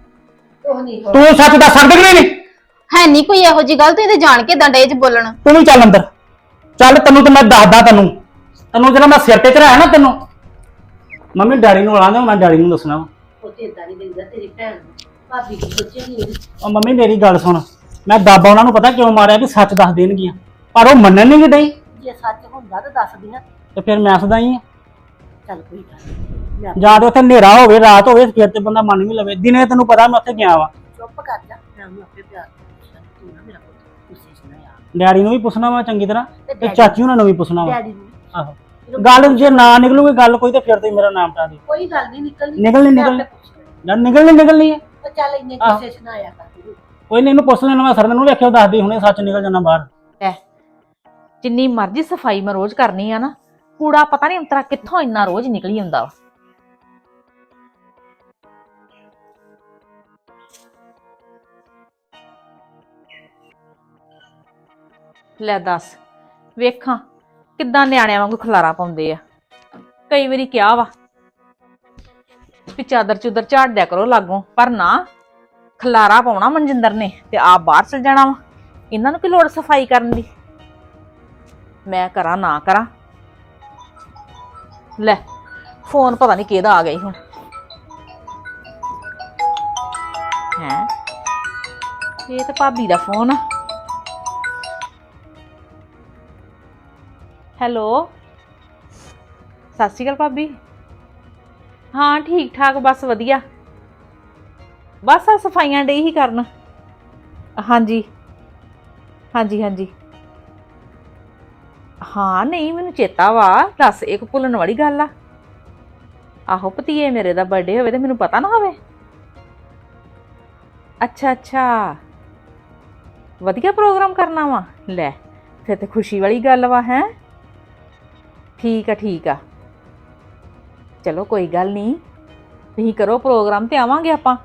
Speaker 2: ਉਹ ਨਹੀਂ ਹੋ।
Speaker 1: ਤੂੰ ਸੱਚ ਦੱਸ ਸਕਦੀ ਕਿ ਨਹੀਂ?
Speaker 4: ਹੈ ਨਹੀਂ ਕੋਈ ਇਹੋ ਜੀ ਗੱਲ, ਤੂੰ ਇਹਦੇ ਜਾਣ ਕੇ ਡੰਡੇ 'ਚ ਬੋਲਣ।
Speaker 1: ਤੂੰ ਵੀ ਚੱਲ ਅੰਦਰ ਚੱਲ, ਤੈਨੂੰ ਤੇ ਮੈਂ ਦੱਸਦਾ, ਤੈਨੂੰ ਜਿਹੜਾ ਮੈਂ ਸਿਰ ਤੇ ਚੜਾਇਆ ਨਾ ਤੈਨੂੰ। ਮੰਮੀ ਡੈਡੀ ਨੂੰ ਆਣਾ, ਮੈਂ ਡੈਡੀ ਨੂੰ ਦੱਸਣਾ ਵਾ।
Speaker 2: ਉਹ ਤੇ ਇਦਾਂ ਨਹੀਂ ਦਿੰਦਾ ਤੇਰੀ ਭੈਣ ਨੂੰ। ਭਾਬੀ ਕੀ ਸੋਚੇਗੀ ਇਹਦੀ?
Speaker 1: ਉਹ ਮੰਮੀ ਮੇਰੀ ਗੱਲ ਸੁਣ, ਮੈਂ ਦਾਬਾ ਉਹਨਾਂ ਨੂੰ ਪਤਾ ਕਿਉਂ ਮਾਰਿਆ ਵੀ ਸੱਚ ਦੱਸ ਦੇਣਗੀਆਂ, ਪਰ ਉਹ ਮੰਨਣ ਨਹੀਂ ਡਈ।
Speaker 2: ਜੇ ਸੱਚ ਹੁੰਦਾ ਤਾਂ ਦੱਸਦੀ ਨਾ।
Speaker 1: ਤੇ ਫਿਰ ਮੈਂ ਸਦਾ ਹੀ ਆ।
Speaker 2: ਚੱਲ ਕੋਈ ਗੱਲ ਨੀ। ਮੈਂ
Speaker 1: ਜਾਂ ਤੇ ਉੱਥੇ ਹਨੇਰਾ ਹੋਵੇ, ਰਾਤ ਹੋਵੇ, ਫਿਰ ਤੇ ਬੰਦਾ ਮੰਨ ਵੀ ਲਵੇ। ਦਿਨੇ ਤੈਨੂੰ ਪਤਾ ਮੈਂ ਉੱਥੇ ਗਿਆ ਵਾ।
Speaker 2: ਚੁੱਪ ਕਰ ਜਾ, ਮੈਂ ਉਹਨੂੰ ਆਪੇ ਪਿਆਰ ਨਾਲ ਤੂੰ ਨਾ ਮੇਰਾ ਪੁੱਤ ਗੁੱਸੇ 'ਚ ਨਾ ਆ।
Speaker 1: ਡੈਡੀ ਨੂੰ ਵੀ ਪੁੱਛਣਾ ਵਾ ਚੰਗੀ ਤਰ੍ਹਾਂ, ਤੇ ਚਾਚੀ ਉਹਨਾਂ ਨੂੰ ਵੀ ਪੁੱਛਣਾ ਵਾ।
Speaker 2: ਡੈਡੀ ਨੂੰ
Speaker 1: ਆਹੋ ਗੱਲ ਜੇ ਨਾ ਨਿਕਲੂਗੀ ਗੱਲ ਕੋਈ, ਤੇ ਫਿਰ ਤੇ ਮੇਰਾ ਨਾਮ ਟਾ ਦੇ।
Speaker 2: ਕੋਈ ਗੱਲ ਨਹੀਂ ਨਿਕਲਣੀ।
Speaker 1: ਨਿਕਲਣੀ
Speaker 2: ਮੈਂ ਆਪੇ ਪੁੱਛ ਲੈਂਦੀ।
Speaker 1: ਨਿਕਲਣੀ ਹੈ।
Speaker 2: ਉਹ ਚੱਲ ਇੰਨੇ ਗੁੱਸੇ 'ਚ ਨਾ ਆਇਆ ਕਰ ਤੂੰ।
Speaker 1: ਕੋਈ ਨਹੀਂ, ਇਹਨੂੰ ਪੁੱਛ ਲੈਣਾ। ਮੈਂ ਸਰ ਨੂੰ ਵੇਖਿਓ ਦੱਸਦੀ, ਹੁਣੇ ਸੱਚ ਨਿਕਲ ਜਾਣਾ ਬਾਹਰ।
Speaker 5: ਜਿੰਨੀ ਮਰਜ਼ੀ ਸਫਾਈ ਮੈਂ ਰੋਜ਼ ਕਰਨੀ ਆ ਨਾ, ਕੂੜਾ ਪਤਾ ਨਹੀਂ ਅੰਤਰਾ ਕਿੱਥੋਂ ਇੰਨਾ ਰੋਜ਼ ਨਿਕਲੀ ਹੁੰਦਾ ਵਾ। ਲੈ ਦੱਸ, ਵੇਖਾਂ ਕਿੱਦਾਂ ਨਿਆਣਿਆਂ ਵਾਂਗੂ ਖਲਾਰਾ ਪਾਉਂਦੇ ਆ। ਕਈ ਵਾਰੀ ਕਿਹਾ ਵਾ ਵੀ ਚਾਦਰ ਚੁਦਰ ਝਾੜ ਦਿਆ ਕਰੋ ਲਾਗੋਂ, ਪਰ ਨਾ, ਖਲਾਰਾ ਪਾਉਣਾ ਮਨਜਿੰਦਰ ਨੇ ਤੇ ਆਪ ਬਾਹਰ ਚਲ ਜਾਣਾ ਵਾ। ਇਹਨਾਂ ਨੂੰ ਕੀ ਲੋੜ ਸਫਾਈ ਕਰਨ ਦੀ? ਮੈਂ ਕਰਾਂ ਨਾ ਕਰਾਂ। ਲੈ ਫੋਨ ਪਤਾ ਨਹੀਂ ਕਿਹਦਾ ਆ ਗਿਆ ਹੁਣ। ਹੈ ਇਹ ਤਾਂ ਭਾਬੀ ਦਾ ਫੋਨ ਆ। ਹੈਲੋ, ਸਤਿ ਸ਼੍ਰੀ ਅਕਾਲ ਭਾਬੀ। ਹਾਂ ਠੀਕ ਠਾਕ, ਬਸ ਵਧੀਆ। ਬਸ ਆ ਸਫਾਈਆਂ ਡਈ ਹੀ ਕਰਨ। ਹਾਂਜੀ ਹਾਂਜੀ ਹਾਂਜੀ। ਹਾਂ ਨਹੀਂ ਮੈਨੂੰ ਚੇਤਾ ਵਾ, ਦੱਸ ਇੱਕ ਭੁੱਲਣ ਵਾਲੀ ਗੱਲ ਆ। ਆਹੋ ਭਤੀਏ ਮੇਰੇ ਦਾ ਬਰਥਡੇ ਹੋਵੇ ਤੇ ਮੈਨੂੰ ਪਤਾ ਨਾ ਹੋਵੇ। ਅੱਛਾ ਅੱਛਾ, ਵਧੀਆ ਪ੍ਰੋਗਰਾਮ ਕਰਨਾ ਵਾ। ਲੈ ਫਿਰ ਤੇ ਖੁਸ਼ੀ ਵਾਲੀ ਗੱਲ ਵਾ। ਹੈ ਠੀਕ ਆ ਠੀਕ ਆ, ਚਲੋ ਕੋਈ ਗੱਲ ਨਹੀਂ, ਤੁਸੀਂ ਕਰੋ ਪ੍ਰੋਗਰਾਮ ਤੇ ਆਵਾਂਗੇ ਆਪਾਂ।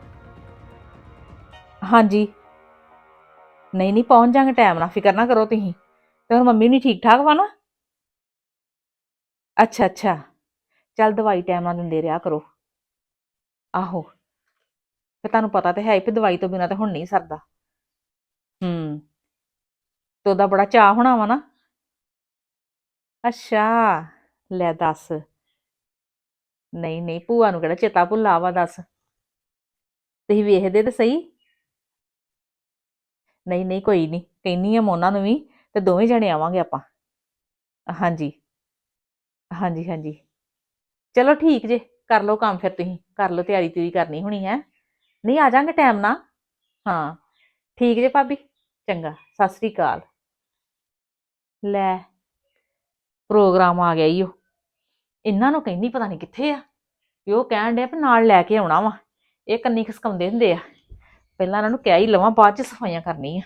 Speaker 5: ਹਾਂਜੀ ਨਹੀਂ ਨਹੀਂ ਪਹੁੰਚ ਜਾਾਂਗੇ ਟਾਈਮ ਨਾਲ, ਫਿਕਰ ਨਾ ਕਰੋ ਤੁਸੀਂ। ਤੇ ਹੁਣ ਮੰਮੀ ਨਹੀਂ ਠੀਕ ਠਾਕ ਵਾ ਨਾ? ਅੱਛਾ ਅੱਛਾ, ਚੱਲ ਦਵਾਈ ਟਾਈਮ ਨਾਲ ਦਿੰਦੇ ਰਿਹਾ ਕਰੋ। ਆਹੋ ਫਿਰ ਤੁਹਾਨੂੰ ਪਤਾ ਤੇ ਹੈ ਵੀ ਦਵਾਈ ਤੋਂ ਬਿਨਾਂ ਤਾਂ ਹੁਣ ਨਹੀਂ ਸਰਦਾ। ਤੇ ਉਹਦਾ ਬੜਾ ਚਾਅ ਹੋਣਾ ਵਾ ਨਾ। ਅੱਛਾ ਲੈ ਦੱਸ, ਨਹੀਂ ਨਹੀਂ ਭੂਆ ਨੂੰ ਕਿਹੜਾ ਚੇਤਾ ਭੁੱਲਾ ਵਾ, ਦੱਸ ਤੁਸੀਂ ਵੇਖਦੇ ਤੇ ਸਹੀ। ਨਹੀਂ ਨਹੀਂ ਕੋਈ ਨਹੀਂ, ਕਹਿੰਨੀ ਆ ਮੈਂ ਉਹਨਾਂ ਨੂੰ ਵੀ, ਤੇ ਦੋਵੇਂ ਜਣੇ ਆਵਾਂਗੇ ਆਪਾਂ। ਹਾਂਜੀ ਹਾਂਜੀ ਹਾਂਜੀ, ਚਲੋ ਠੀਕ ਜੇ, ਕਰ ਲਓ ਕੰਮ ਫਿਰ, ਤੁਸੀਂ ਕਰ ਲਓ, ਤਿਆਰੀ ਤਿਉਰੀ ਕਰਨੀ ਹੋਣੀ ਹੈ। ਨਹੀਂ ਆ ਜਾਾਂਗੇ ਟਾਈਮ ਨਾਲ। ਹਾਂ ਠੀਕ ਜੇ ਭਾਬੀ, ਚੰਗਾ ਸਤਿ ਸ੍ਰੀ ਅਕਾਲ। ਲੈ ਪ੍ਰੋਗਰਾਮ ਆ ਗਿਆ ਈ ਉਹ, ਇਹਨਾਂ ਨੂੰ ਕਹਿੰਦੀ ਪਤਾ ਨਹੀਂ ਕਿੱਥੇ ਆ, ਵੀ ਉਹ ਕਹਿਣ ਡਿਆ ਵੀ ਨਾਲ ਲੈ ਕੇ ਆਉਣਾ ਵਾ। ਇਹ ਕੰਨੀ ਖਸਕਾਉਂਦੇ ਹੁੰਦੇ ਆ, ਪਹਿਲਾਂ ਇਹਨਾਂ ਨੂੰ ਕਹਿ ਹੀ ਲਵਾਂ, ਬਾਅਦ ਚ ਸਫਾਈਆਂ ਕਰਨੀ ਆ।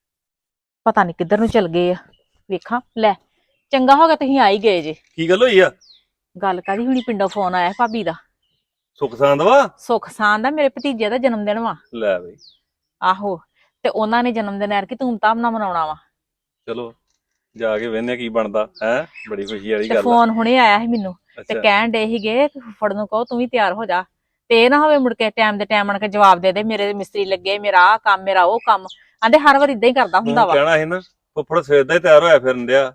Speaker 5: ਪਤਾ ਨਹੀਂ ਕਿੱਧਰ ਨੂੰ ਚਲ ਗਏ ਆ, ਵੇਖਾਂ। ਲੈ ਚੰਗਾ ਹੋ ਗਿਆ ਤੁਸੀਂ ਆ ਹੀ ਗਏ ਜੇ।
Speaker 6: ਕੀ ਗੱਲ ਹੋਈ ਆ?
Speaker 5: ਗੱਲ ਕਾਹਦੀ ਹੁਣੀ, ਪਿੰਡੋਂ ਫੋਨ ਆਇਆ ਭਾਬੀ ਦਾ।
Speaker 6: ਸੁੱਖ ਸਾਂਦ ਵਾ?
Speaker 5: ਸੁੱਖ ਸਾਂਦ ਦਾ, ਮੇਰੇ ਭਤੀਜੇ ਦਾ ਜਨਮ ਦਿਨ ਵਾ।
Speaker 6: ਲੈ ਬਈ।
Speaker 5: ਆਹੋ, ਤੇ ਉਹਨਾਂ ਨੇ ਜਨਮ ਦਿਨ ਐਰਕੀ ਧੂਮ ਧਾਮ ਨਾਲ ਮਨਾਉਣਾ ਵਾ।
Speaker 6: ਚਲੋ ਜਾ ਕੇ ਵੇਖਨੇ ਕੀ ਬਣਦਾ ਹੈ, ਬੜੀ ਖੁਸ਼ੀ ਵਾਲੀ
Speaker 5: ਤੇ
Speaker 6: ਗੱਲ ਆ।
Speaker 5: ਫੋਨ ਹੁਣੇ ਆਇਆ ਸੀ ਮੈਨੂੰ, ਤੇ
Speaker 6: ਅੱਛਾ
Speaker 5: ਕਹਿਣ ਡੇ ਸੀਗੇ ਫੁੱਫੜ ਨੂੰ ਕਹੋ ਤੂੰ ਵੀ ਤਿਆਰ ਹੋ ਜਾ, ਤੇ ਇਹ ਨਾ ਹੋਵੇ ਮੁੜ ਕੇ ਟਾਈਮ ਦੇ ਟਾਈਮ ਆਣ ਕੇ ਜਵਾਬ ਦੇ ਦੇ ਮੇਰੇ ਮਿਸਤਰੀ ਲੱਗੇ, ਮੇਰਾ ਆਹ ਕੰਮ, ਮੇਰਾ ਉਹ ਕੰਮ। ਆਂਦੇ ਹਰ ਵਾਰ ਇਦਾਂ ਹੀ ਕਰਦਾ ਹੁੰਦਾ
Speaker 6: ਤੂੰ
Speaker 5: ਵਾ।
Speaker 6: ਕਹਿਣਾ ਸੀ ਨਾ, ਫੁੱਫੜ ਸਵੇਰ ਦਾ ਹੀ ਤਿਆਰ ਹੋਇਆ ਫਿਰਨ ਡਿਆ,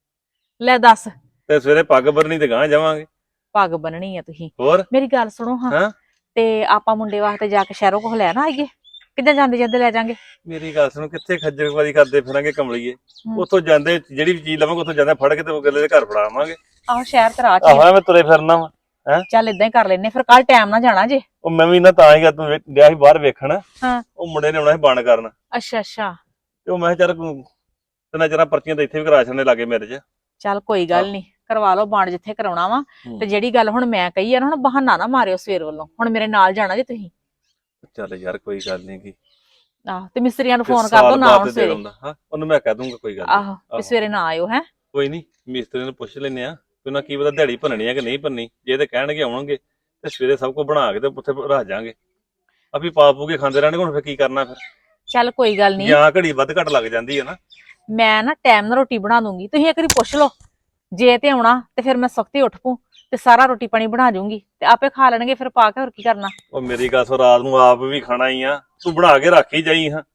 Speaker 5: ਲੈ ਦੱਸ।
Speaker 6: ਤੇ ਸਵੇਰੇ ਪੱਗ ਬੰਨਣੀ ਤੇ ਗਾਂਹ ਜਾਵਾਂਗੇ।
Speaker 5: ਪੱਗ ਬੰਨਣੀ ਆ ਤੁਸੀਂ?
Speaker 6: ਹੋਰ
Speaker 5: ਮੇਰੀ ਗੱਲ ਸੁਣੋ ਹਾਂ,
Speaker 6: ਹੈਂ?
Speaker 5: ਤੇ ਆਪਾਂ ਮੁੰਡੇ ਵਾਸਤੇ ਜਾ ਕੇ ਸ਼ਹਿਰੋਂ ਕੋਲ ਲੈ ਨਾ ਆਈਏ, ਕਿੱਦਾਂ ਜਾਂਦੇ ਜਾਂਦੇ ਲੈ ਜਾਾਂਗੇ।
Speaker 6: ਮੇਰੀ ਗੱਲ ਸੁਣੋ, ਕਿੱਥੇ ਖੱਜਲਖਵਾਰੀ ਕਰਦੇ ਫਿਰਾਂਗੇ ਕਮਲੀਏ। ਉੱਥੋਂ ਜਾਂਦੇ ਜਿਹੜੀ ਵੀ ਚੀਜ਼ ਲਵਾਂਗੇ ਉੱਥੋਂ ਜਾਂਦੇ ਫੜ ਕੇ ਤੇ ਅਗਲੇ ਦੇ ਘਰ ਫੜਾਵਾਂਗੇ।
Speaker 5: ਆਹੋ ਸ਼ਹਿਰ ਤੇ ਰਾਹ ਚ
Speaker 6: ਆਹੋ ਮੈਂ ਤੁਰੇ ਫਿਰਨਾ ਵਾ। ਹੈ
Speaker 5: ਚੱਲ ਇਦਾਂ ਹੀ ਕਰ ਲੈਨੇ, ਫਿਰ ਕੱਲ ਟਾਈਮ ਨਾਲ ਜਾਣਾ ਜੇ।
Speaker 6: ਉਹ ਮੈਂ ਵੀ ਨਾ ਤਾਂ ਹੀ ਗਿਆ, ਤੂੰ ਗਿਆ ਸੀ ਬਾਹਰ ਵੇਖਣ।
Speaker 5: ਹਾਂ
Speaker 6: ਉਹ ਮੁੰਡੇ ਨੇ ਆਉਣਾ ਸੀ ਬਣ ਕਰਨ,
Speaker 5: ਅੱਛਾ ਅੱਛਾ,
Speaker 6: ਤੇ ਉਹ ਮੈਂ ਕਿਹਾ ਚੱਲ ਤਿੰਨਾਂ ਚਾਰਾਂ ਪਰਚੀਆਂ ਤਾਂ ਇੱਥੇ ਵੀ ਕਰਾ ਛੱਡਣੇ ਲਾਗੇ ਮੇਰੇ 'ਚ।
Speaker 5: ਚੱਲ ਕੋਈ ਗੱਲ ਨਹੀਂ, ਕਰਵਾ ਲਓ ਬਾਣ ਜਿੱਥੇ ਕਰਾਉਣਾ ਵਾ। ਤੇ ਜਿਹੜੀ ਗੱਲ ਹੁਣ ਮੈਂ ਕਹੀ ਆ ਨਾ, ਹੁਣ ਬਹਾਨਾ ਨਾ ਮਾਰਿਓ ਸਵੇਰ ਵੱਲੋਂ, ਹੁਣ ਮੇਰੇ ਨਾਲ ਜਾਣਾ ਜੇ ਤੁਸੀਂ।
Speaker 6: ਚੱਲ ਯਾਰ ਕੋਈ ਗੱਲ ਨਹੀਂ ਗੀ,
Speaker 5: ਆਹੋ ਤੇ ਮਿਸਤਰੀਆਂ ਨੂੰ
Speaker 6: ਤੇ
Speaker 5: ਫੋਨ ਕਰ ਦੋ
Speaker 6: ਸਾਲ
Speaker 5: ਨਾ
Speaker 6: ਬਾਅਦ
Speaker 5: ਹੁਣ
Speaker 6: ਤੇ ਦੇ
Speaker 5: ਸਵੇਰੇ।
Speaker 6: ਦਿੰਦਾ। ਹਾਂ ਉਹਨੂੰ ਮੈਂ ਕਹਿ ਦੂੰਗਾ, ਕੋਈ ਗੱਲ ਨੀ।
Speaker 5: ਆਹੋ ਤੇ ਸਵੇਰੇ ਨਾ ਆਇਓ। ਹੈ
Speaker 6: ਕੋਈ ਨਹੀਂ, ਮਿਸਤਰੀ ਨੂੰ ਪੁੱਛ ਲੈਨੇ ਆ, ਤੇ ਉਹਨਾਂ ਕੀ ਪਤਾ ਦਿਹਾੜੀ ਭੰਨਣੀ ਆ ਕਿ ਨਹੀਂ ਭੰਨੀ। ਜੇ ਤੇ ਕਹਿਣਗੇ ਆਉਣਗੇ ਤੇ ਸਵੇਰੇ ਸਭ ਕੁਝ ਬਣਾ ਕੇ ਤੇ ਉੱਥੇ ਰੱਖ ਜਾਾਂਗੇ। ਆਪੀ ਪਾ ਪੂ ਕੇ ਖਾਂਦੇ ਰਹਿਣਗੇ, ਹੁਣ ਫਿਰ ਕੀ ਕਰਨਾ। ਫਿਰ
Speaker 5: ਚੱਲ ਕੋਈ ਗੱਲ ਨਹੀਂ,
Speaker 6: ਜਾਂ ਘੜੀ ਵੱਧ ਘੱਟ ਲੱਗ ਜਾਂਦੀ ਹੈ ਨਾ।
Speaker 5: ਮੈਂ ਨਾ ਟਾਈਮ ਨਾਲ ਰੋਟੀ ਬਣਾ ਦੂੰਗੀ, ਤੁਸੀਂ ਇੱਕ ਵਾਰੀ ਪੁੱਛ ਲਓ। ਜੇ ਤੇ ਆਉਣਾ ਤੇ ਫਿਰ ਮੈਂ ਸਖਤੀ ਉੱਠ ਪੂ ਤੇ ਸਾਰਾ ਰੋਟੀ ਪਾਣੀ ਬਣਾ ਜੂੰਗੀ, ਤੇ ਆਪੇ ਖਾ ਲੈਣਗੇ ਫਿਰ ਪਾ ਕੇ, ਹੋਰ ਕੀ ਕਰਨਾ।
Speaker 6: ਉਹ ਮੇਰੀ ਗੱਲ ਸੋ, ਰਾਤ ਨੂੰ ਆਪ ਵੀ ਖਾਣਾ ਹੀ ਆ, ਤੂੰ ਬਣਾ ਕੇ ਰੱਖ ਹੀ ਜਾਈ। ਹਾਂ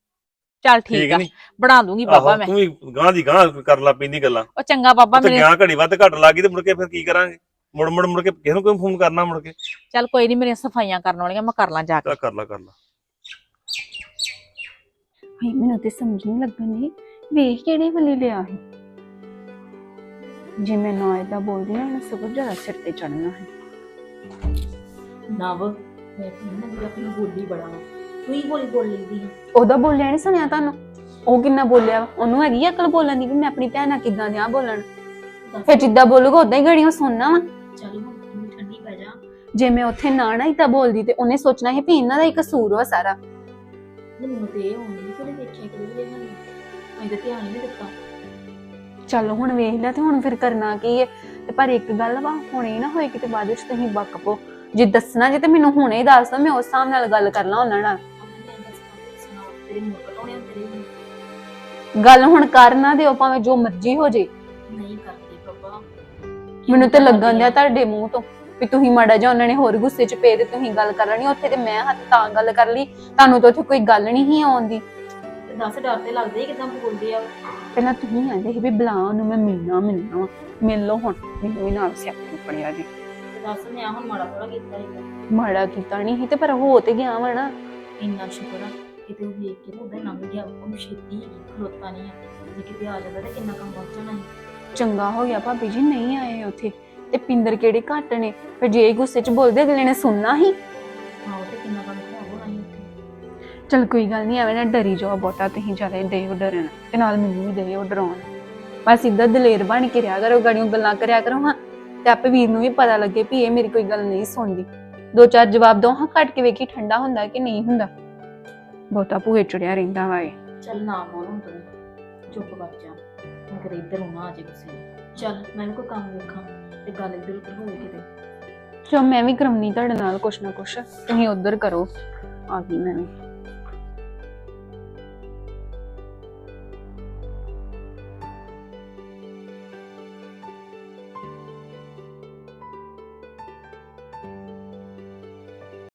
Speaker 5: ਚੱਲ ਠੀਕ ਆ,
Speaker 6: ਨੀ?
Speaker 5: ਬਣਾ ਦੂੰਗੀ ਬਾਬਾ
Speaker 6: ਆਹੋ
Speaker 5: ਮੈਂ।
Speaker 6: ਤੂੰ ਵੀ ਗਾਂ ਦੀ ਗਾਂ ਕਰ ਲਾ ਪੈਂਦੀ ਗੱਲਾਂ।
Speaker 5: ਉਹ ਚੰਗਾ ਬਾਬਾ
Speaker 6: ਤੇ
Speaker 5: ਮੇਰੇ।
Speaker 6: ਗਿਆ ਘੜੀ ਵੱਧ ਘੱਟ ਲੱਗ ਗਈ ਤੇ ਮੁੜ ਕੇ ਫਿਰ ਕੀ ਕਰਾਂਗੇ? ਮੁੜ ਕੇ ਕਿਸੇ ਨੂੰ ਕੋਈ ਫੋਨ ਕਰਨਾ ਮੁੜ ਕੇ।
Speaker 5: ਚੱਲ ਕੋਈ ਨਹੀਂ, ਮੇਰੀਆਂ ਸਫਾਈਆਂ ਕਰਨ ਵਾਲੀਆਂ, ਮੈਂ ਕਰ ਲਾਂ ਜਾ ਕੇ।
Speaker 6: ਕਰ ਲਾ।
Speaker 3: ਹਾਏ ਮੈਨੂੰ ਤੇ ਸਮਝ ਨਹੀਂ ਲੱਗਣ ਦੀ, ਵੇਖ ਕਿਹੜੇ ਵੱਲੇ ਲਿਆ ਹੈ। ਜੇ ਮੈਂ ਨਾ ਏਦਾਂ ਬੋਲਦੀ ਨਾ, ਉਹਨੇ ਸਗੋਂ ਜ਼ਿਆਦਾ ਸਿਰ ਤੇ ਚੜਨਾ ਹੈ।
Speaker 4: ਨਵ ਮੈਂ ਕਹਿੰਦਾ ਆਪਣੀ ਬੋਲੀ ਬੜਾ ਵਾ, ਤੂੰ ਹੀ ਬੋਲ ਲੈਂਦੀ ਹੈ।
Speaker 3: ਉਹਦਾ ਬੋਲਿਆ ਨਹੀਂ ਸੁਣਿਆ ਤੁਹਾਨੂੰ? ਉਹ ਕਿੰਨਾ ਬੋਲਿਆ ਵਾ, ਉਹਨੂੰ ਹੈਗੀ ਅਕਲ ਬੋਲਣ ਦੀ ਵੀ ਮੈਂ ਆਪਣੀ ਭੈਣ ਨਾਲ ਕਿੱਦਾਂ ਦਿਆਂ ਬੋਲਣ। ਫਿਰ ਜਿੱਦਾਂ ਬੋਲੂਗਾ ਉਦਾਂ ਹੀ ਗੜੀਆਂ ਸੁਣਨਾ ਵਾ।
Speaker 4: ਚੱਲ ਹੁਣ ਤੂੰ ਠੰਡੀ ਪੈ ਜਾ।
Speaker 3: ਜੇ ਮੈਂ ਉੱਥੇ ਨਾ ਏਦਾਂ ਬੋਲਦੀ ਤੇ ਉਹਨੇ ਸੋਚਣਾ ਸੀ ਵੀ ਇਹਨਾਂ ਦਾ ਹੀ ਕਸੂਰ ਵਾ ਸਾਰਾ।
Speaker 4: ਮੈਨੂੰ ਤੇ ਇਹ ਹੋਣੀ ਕਿ ਦੇਖਿਆ ਕਿਹਦੇ ਮੈਨੂੰ ਮੈਂ ਤਾਂ ਧਿਆਨ ਨਹੀਂ ਦਿੱਤਾ।
Speaker 3: ਚੱਲ ਹੁਣ ਵੇਖ ਲਿਆ ਤੇ ਹੁਣ ਫਿਰ ਕਰਨਾ ਕੀ ਹੈ। ਤੇ ਪਰ ਇੱਕ ਗੱਲ ਵਾ, ਹੁਣੇ ਨਾ ਹੋਏ ਕਿਤੇ ਬਾਅਦ ਵਿੱਚ ਤੁਸੀਂ ਬੱਕ ਪੋ। ਜੇ ਦੱਸਣਾ ਜੇ ਤੇ ਮੈਨੂੰ ਹੁਣੇ ਹੀ ਦੱਸ ਦੋ, ਮੈਂ ਉਸ ਹਿਸਾਬ ਨਾਲ ਗੱਲ ਕਰ ਲਾਂ ਉਹਨਾਂ ਨਾਲ।
Speaker 4: ਤੇਰੇ ਮੂੰਹ ਕਟਾਉਣੇ ਤੇਰੇ
Speaker 3: ਗੱਲ ਹੁਣ ਕਰ ਨਾ ਦਿਓ, ਭਾਵੇਂ ਜੋ ਮਰਜ਼ੀ ਹੋ ਜੇ।
Speaker 4: ਨਹੀਂ ਕਰਦੇ ਬਾਬਾ।
Speaker 3: ਮੈਨੂੰ ਤੇ ਲੱਗਣ ਦਿਆ ਤੁਹਾਡੇ ਮੂੰਹ ਤੋਂ ਵੀ ਤੁਸੀਂ ਮਾੜਾ ਜਿਹਾ ਉਹਨਾਂ ਨੇ ਹੋਰ ਗੁੱਸੇ 'ਚ ਪਏ ਤੇ ਤੁਸੀਂ ਗੱਲ ਕਰ ਲੈਣੀ। ਉੱਥੇ ਤੇ ਮੈਂ ਹੱਥ ਤਾਂ ਗੱਲ ਕਰ ਲਈ, ਤੁਹਾਨੂੰ ਤਾਂ ਉੱਥੇ ਕੋਈ ਗੱਲ ਨਹੀਂ ਸੀ ਆਉਂਦੀ।
Speaker 4: ਦੱਸ ਡਰ ਤੇ ਲੱਗਦਾ ਹੀ ਕਿਦਾਂ ਬੋਲਦੇ ਆ।
Speaker 3: ਪਹਿਲਾਂ ਤੁਸੀਂ ਆਂਦੇ ਸੀ ਵੀ ਬੁਲਾ ਉਹਨੂੰ, ਮੈਂ ਮਿਲਣਾ ਵਾ। ਮਿਲ ਲਓ ਹੁਣ, ਮੈਨੂੰ ਵੀ ਨਾਲ ਸਿਆਪਾ ਪੜਿਆ ਜੀ।
Speaker 4: ਦੱਸ ਮੈਂ ਹੁਣ ਮਾੜਾ ਥੋੜਾ ਕੀਤਾ ਹੈਗਾ।
Speaker 3: ਮਾੜਾ ਕੀਤਾ ਨਹੀਂ ਸੀ ਤੇ ਪਰ ਹੋ ਤੇ ਗਿਆ ਵਾ ਨਾ।
Speaker 4: ਇੰਨਾ ਸ਼ੁਕਰ ਆ ਕਿਤੇ ਉਹ ਵੇਖ ਕੇ ਉਹਦਾ ਲੰਘ ਗਿਆ, ਉਹਨੂੰ ਛੇਤੀ ਖਲੋਤਾ ਨਹੀਂ ਆ। ਜੇ ਕਿਤੇ ਆ ਜਾਂਦਾ ਤਾਂ ਕਿੰਨਾ ਕੰਮ ਪਹੁੰਚ ਜਾਣਾ ਸੀ।
Speaker 7: ਚੰਗਾ ਹੋ ਗਿਆ ਭਾਬੀ ਜੀ ਨਹੀਂ ਆਏ ਉੱਥੇ। ਤੇ ਪਿੰਦਰ ਕਿਹੜੇ ਘੱਟ ਨੇ, ਫਿਰ ਜੇ ਗੁੱਸੇ 'ਚ ਬੋਲਦੇ ਅਗਲੇ ਨੇ ਸੁਣਨਾ ਹੀ।
Speaker 4: ਆਹੋ ਤੇ ਕਿੰਨਾ ਕੰਮ ਹੋਣਾ ਨਹੀਂ ਉੱਥੇ।
Speaker 7: ਚਲ ਕੋਈ ਗੱਲ ਨਹੀਂ, ਐਵੇਂ ਨਾ ਡਰੀ ਜਾਓ ਬਹੁਤਾ, ਤੁਸੀਂ ਜ਼ਿਆਦਾ ਦੇ ਹੋ ਡਰਨ ਤੇ ਨਾਲ ਮੈਨੂੰ ਵੀ ਦੇ ਹੋ ਡਰਾਉਣ। ਬਸ ਇੱਦਾਂ ਦਲੇਰ ਬਣ ਕੇ ਰਿਹਾ ਕਰੋ, ਗੜੀਆਂ ਗੱਲਾਂ ਕਰਿਆ ਕਰੋ ਹਾਂ, ਤੇ ਆਪੇ ਵੀਰ ਨੂੰ ਵੀ ਪਤਾ ਲੱਗੇ ਵੀ ਇਹ ਮੇਰੀ ਕੋਈ ਗੱਲ ਨਹੀਂ ਸੁਣਦੀ। 2-4 ਜਵਾਬ ਦੋ ਹਾਂ, ਕੱਟ ਕੇ ਵੇਖੀ ਠੰਡਾ ਹੁੰਦਾ ਕਿ ਨਹੀਂ ਹੁੰਦਾ। ਬਹੁਤਾ ਭੂਏ ਚੜਿਆ ਰਹਿੰਦਾ ਵਾ ਇਹ।
Speaker 4: ਚੱਲ ਨਾ ਮੋਨ ਹੁਣ ਤੂੰ ਚੁੱਪ ਕਰ ਜਾ, ਮੈਂ ਕਦੇ ਇੱਧਰ ਹੋਣਾ ਆ ਜੇ ਕਿਸੇ ਨੂੰ। ਚੱਲ ਮੈਂ ਵੀ ਕੋਈ ਕੰਮ ਵੇਖਾਂ ਤੇ ਗੱਲ ਇੱਧਰ ਉੱਧਰ ਹੋਵੇ ਕਿਤੇ।
Speaker 7: ਚਲ ਮੈਂ ਵੀ ਕਰਾਉਣੀ ਤੁਹਾਡੇ ਨਾਲ ਕੁਛ ਨਾ ਕੁਛ, ਤੁਸੀਂ ਉੱਧਰ ਕਰੋ। ਆ ਗਈ ਮੈਂ ਵੀ।